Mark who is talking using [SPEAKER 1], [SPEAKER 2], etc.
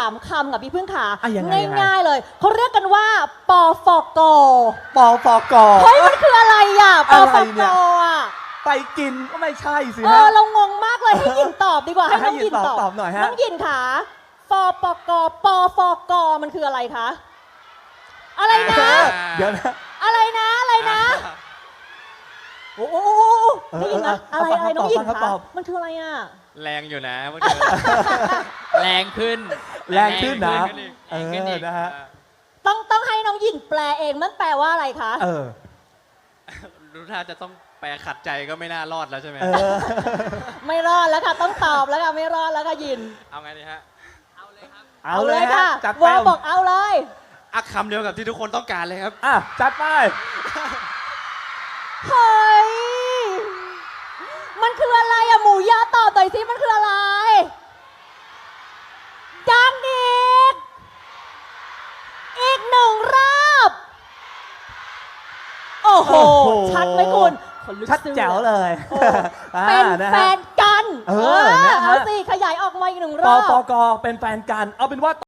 [SPEAKER 1] 3 คำกับพี่พึ่งขา
[SPEAKER 2] ยังไง
[SPEAKER 1] ง่ายๆเลยเขาเรียกกันว่าปฟก
[SPEAKER 2] ปฟก
[SPEAKER 1] เฮ้ยมันคืออะไรอ่ะป
[SPEAKER 2] อะไร
[SPEAKER 1] ฟ
[SPEAKER 2] เนี่
[SPEAKER 1] ก
[SPEAKER 2] ย
[SPEAKER 1] อ่ะ
[SPEAKER 2] ไปกินก็ไม่ใช่สิฮะ
[SPEAKER 1] เรางงมากเลยให้ยินตอบดีกว่าให้น้องยิน
[SPEAKER 2] ตอบหน่อยฮะ
[SPEAKER 1] น้องยินขาปฟกปฟกมันคืออะไรคะอะไรนะ
[SPEAKER 2] เดี๋ยวนะ
[SPEAKER 1] อะไรนะอะไรนะโอ้โหได้ยินนะอะไรอะไรน้องยิน
[SPEAKER 2] ครับ
[SPEAKER 1] คะ
[SPEAKER 2] ตอบ
[SPEAKER 1] มันคืออะไรอ่ะ
[SPEAKER 3] แรงอยู่นะเมื่อกี้แรงขึ้น
[SPEAKER 2] แรงขึ้นนะ
[SPEAKER 3] แรงขึ้นอีก
[SPEAKER 2] นะฮะ
[SPEAKER 1] ต้องให้น้องยินแปลเองมันแปลว่าอะไรคะ
[SPEAKER 3] รู้ท่าจะต้องแปลขัดใจก็ไม่น่ารอดแล้วใช่ไหม
[SPEAKER 1] ไม่รอดแล้วค่ะต้องตอบแล้วค่ะไม่รอดแล้วค่ะยิน
[SPEAKER 3] เอาไงดีฮะ
[SPEAKER 2] เอาเลยฮะ
[SPEAKER 1] ค่ะ
[SPEAKER 2] จัด
[SPEAKER 1] ว
[SPEAKER 2] ไป
[SPEAKER 1] อบอกเอาเลย
[SPEAKER 3] อ่ะคำเดียวกับที่ทุกคนต้องการเลยครับ
[SPEAKER 2] จัดไป
[SPEAKER 1] เฮ้ยมันคืออะไรอะหมูยอตอบหน่อยสิมันคืออะไรยังอีกหนึ่งรอบโอ้โห
[SPEAKER 2] โอ้โห
[SPEAKER 1] ชัดไหมคุณขนลุก
[SPEAKER 2] ชัด
[SPEAKER 1] สู้
[SPEAKER 2] แจ๋วเลย
[SPEAKER 1] เป็น
[SPEAKER 2] นะ
[SPEAKER 1] แฟ
[SPEAKER 2] ฮะ
[SPEAKER 1] นกัน
[SPEAKER 2] นะฮะ
[SPEAKER 1] เอาสิขยายออกมาอีกหนึ่งร
[SPEAKER 2] ป
[SPEAKER 1] อบ
[SPEAKER 2] ฟกเป็นแฟนกัน เอาเป็นว่า